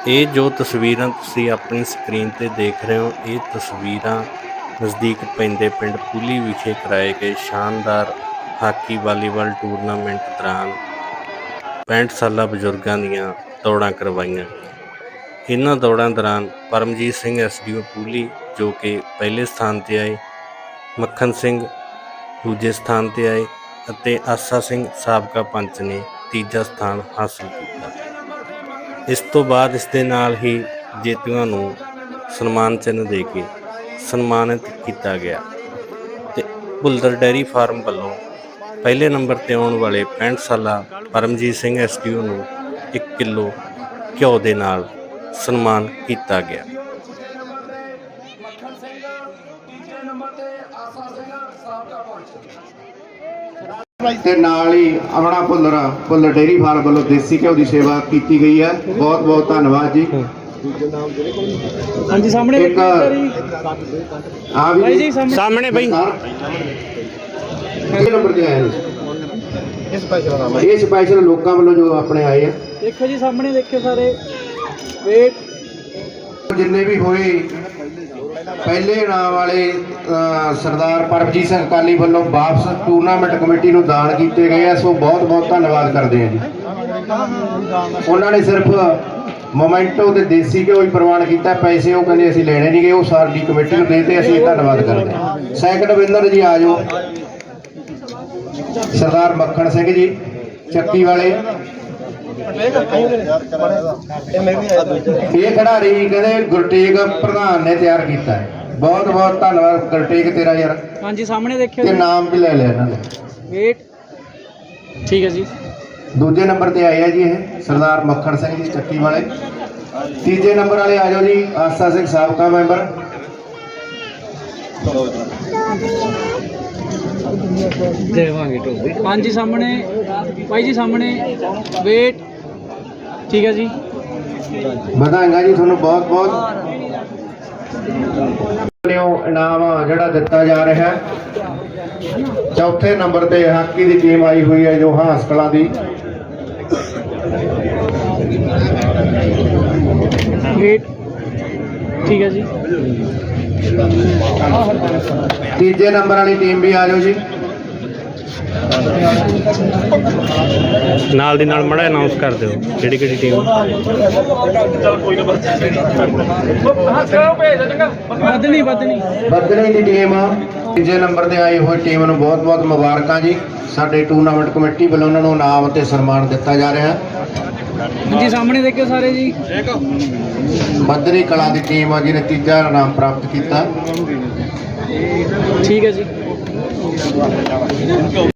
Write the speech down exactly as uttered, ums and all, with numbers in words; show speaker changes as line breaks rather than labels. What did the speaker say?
ਇਹ ਜੋ ਤਸਵੀਰਾਂ ਤੁਸੀਂ ਆਪਣੀ ਸਕਰੀਨ 'ਤੇ ਦੇਖ ਰਹੇ ਹੋ, ਇਹ ਤਸਵੀਰਾਂ ਨਜ਼ਦੀਕ ਪੈਂਦੇ ਪਿੰਡ ਪੂਲੀ ਵਿਖੇ ਕਰਾਏ ਗਏ ਸ਼ਾਨਦਾਰ ਹਾਕੀ ਵਾਲੀਬਾਲ ਟੂਰਨਾਮੈਂਟ ਦੌਰਾਨ ਪੈਂਹਠ ਸਾਲਾ ਬਜ਼ੁਰਗਾਂ ਦੀਆਂ ਦੌੜਾਂ ਕਰਵਾਈਆਂ। ਇਹਨਾਂ ਦੌੜਾਂ ਦੌਰਾਨ Paramjit Singh S D O ਪੂਲੀ ਜੋ ਕਿ ਪਹਿਲੇ ਸਥਾਨ 'ਤੇ ਆਏ, ਮੱਖਣ ਸਿੰਘ ਦੂਜੇ ਸਥਾਨ 'ਤੇ ਆਏ ਅਤੇ ਆਸਾ ਸਿੰਘ ਸਾਬਕਾ ਪੰਚ ਨੇ ਤੀਜਾ ਸਥਾਨ ਹਾਸਲ ਕੀਤਾ। ਇਸ ਤੋਂ ਬਾਅਦ ਇਸ ਦੇ ਨਾਲ ਹੀ ਜੇਤੂਆਂ ਨੂੰ ਸਨਮਾਨ ਚਿੰਨ੍ਹ ਦੇ ਕੇ ਸਨਮਾਨਿਤ ਕੀਤਾ ਗਿਆ ਅਤੇ ਭੁੱਲਰ ਡੇਅਰੀ ਫਾਰਮ ਵੱਲੋਂ ਪਹਿਲੇ ਨੰਬਰ 'ਤੇ ਆਉਣ ਵਾਲੇ ਪੈਂਹਠ ਸਾਲਾ Paramjit Singh S D O ਨੂੰ ਇੱਕ ਕਿਲੋ ਘਿਓ ਦੇ ਨਾਲ ਸਨਮਾਨ ਕੀਤਾ ਗਿਆ।
ਤੇ ਨਾਲ ਹੀ ਆਪਣਾ ਭੁੱਲਰ ਭੁੱਲਰ ਡੇਅਰੀ ਫਾਰਮ ਵੱਲੋਂ ਦੇਸੀ ਘਿਓ ਦੀ ਸੇਵਾ ਕੀਤੀ ਗਈ ਹੈ। ਬਹੁਤ ਬਹੁਤ ਧੰਨਵਾਦ ਜੀ।
ਹਾਂਜੀ ਸਾਹਮਣੇ
ਇੱਕ ਆ ਵੀ
ਜੀ
ਸਾਹਮਣੇ ਬਈ
ਇਹ ਨੰਬਰ ਤੇ ਆਏ ਨੇ ਇਹ ਸਪੈਸ਼ਲ ਲੋਕਾਂ ਵੱਲੋਂ ਜੋ ਆਪਣੇ ਆਏ ਆ।
ਦੇਖੋ ਜੀ ਸਾਹਮਣੇ ਦੇਖਿਓ ਸਾਰੇ ਵੇਟ
ਜਿੰਨੇ ਵੀ ਹੋਏ ਪਹਿਲੇ ਇਨਾਮ ਵਾਲੇ ਸਰਦਾਰ ਪਰਮਜੀਤ ਸਿੰਘ ਅਕਾਲੀ ਵੱਲੋਂ ਵਾਪਸ ਟੂਰਨਾਮੈਂਟ ਕਮੇਟੀ ਨੂੰ ਦਾਨ ਕੀਤੇ ਗਏ ਆ। ਸੋ ਬਹੁਤ ਬਹੁਤ ਧੰਨਵਾਦ ਕਰਦੇ ਆ ਜੀ। ਉਹਨਾਂ ਨੇ ਸਿਰਫ ਮੋਮੈਂਟੋ ਤੇ ਦੇਸੀ ਘਿਓ ਹੀ ਪ੍ਰਵਾਨ ਕੀਤਾ, ਪੈਸੇ ਉਹ ਕਹਿੰਦੇ ਅਸੀਂ ਲੈਣੇ ਨਹੀਂ ਗਏ, ਉਹ ਸਾਡੀ ਕਮੇਟੀ ਨੂੰ ਦੇ ਤੇ ਅਸੀਂ ਧੰਨਵਾਦ ਕਰਦੇ ਹਾਂ। ਸੈਕੰਡ ਵਿਨਰ ਜੀ ਆ ਜਾਓ ਸਰਦਾਰ ਮੱਖਣ ਸਿੰਘ ਜੀ ਚੱਕੀ ਵਾਲੇ। ਇਹ ਖਿਡਾਰੀ ਕਹਿੰਦੇ ਗੁਰਟੇਗ ਪ੍ਰਧਾਨ ਨੇ ਤਿਆਰ ਕੀਤਾ ਹੈ। ਬਹੁਤ ਬਹੁਤ ਧੰਨਵਾਦ ਗੁਰਟੇਗ ਤੇਰਾ ਯਾਰ।
ਹਾਂਜੀ ਸਾਹਮਣੇ ਦੇਖਿਓ
ਤੇ ਨਾਮ ਵੀ ਲੈ ਲਿਆ ਇਹਨਾਂ ਨੇ।
ਵੇਟ ਠੀਕ ਹੈ ਜੀ।
ਦੂਜੇ ਨੰਬਰ ਤੇ ਆਏ ਆ ਜੀ ਇਹ ਸਰਦਾਰ ਮੱਖਣ ਸਿੰਘ ਜੀ ਚੱਕੀ ਵਾਲੇ। ਤੀਜੇ ਨੰਬਰ ਵਾਲੇ ਆ ਜਾਓ ਜੀ ਆਸਾ ਸਿੰਘ ਸਾਬਕਾ ਮੈਂਬਰ।
ਹਾਂਜੀ ਸਾਹਮਣੇ ਭਾਈ ਜੀ ਸਾਹਮਣੇ ਵੇਟ ਠੀਕ ਹੈ ਜੀ।
ਵਧਾਈਆਂ ਜੀ ਤੁਹਾਨੂੰ ਬਹੁਤ ਬਹੁਤ। ਇਨਾਮ ਜਿਹੜਾ ਦਿੱਤਾ ਜਾ ਰਿਹਾ ਹੈ, ਚੌਥੇ ਨੰਬਰ ਤੇ ਹਾਕੀ ਦੀ ਟੀਮ ਆਈ ਹੋਈ ਹੈ ਜੋ ਹਾਸ ਕਲਾਂ ਦੀ।
ਵੇਟ ਠੀਕ ਹੈ ਜੀ।
ਤੀਜੇ ਨੰਬਰ ਵਾਲੀ ਟੀਮ ਵੀ ਆ ਜਾਓ ਜੀ।
ਨਾਲ ਦੀ ਨਾਲ ਮੜਾ ਅਨਾਉਂਸ ਕਰ ਦਿਓ ਕਿਹੜੀ ਕਿਹੜੀ ਟੀਮ।
ਬਦਨੀ ਬਦਨੀ
ਬਦਨੀ ਦੀ ਟੀਮ ਤੀਜੇ ਨੰਬਰ ਤੇ ਆਈ ਹੋਈ ਟੀਮ ਨੂੰ ਬਹੁਤ ਬਹੁਤ ਮੁਬਾਰਕਾਂ ਜੀ। ਸਾਡੇ ਟੂਰਨਾਮੈਂਟ ਕਮੇਟੀ ਵੱਲੋਂ ਉਹਨਾਂ ਨੂੰ ਇਨਾਮ ਅਤੇ ਸਨਮਾਨ ਦਿੱਤਾ ਜਾ ਰਿਹਾ।
ਹਾਂਜੀ ਸਾਹਮਣੇ ਦੇਖਿਓ ਸਾਰੇ ਜੀ।
ਬਦਨੀ ਕਲਾਂ ਦੀ ਟੀਮ ਆ ਜਿਹਨੇ ਤੀਜਾ ਇਨਾਮ ਪ੍ਰਾਪਤ ਕੀਤਾ।
ਠੀਕ ਹੈ ਜੀ।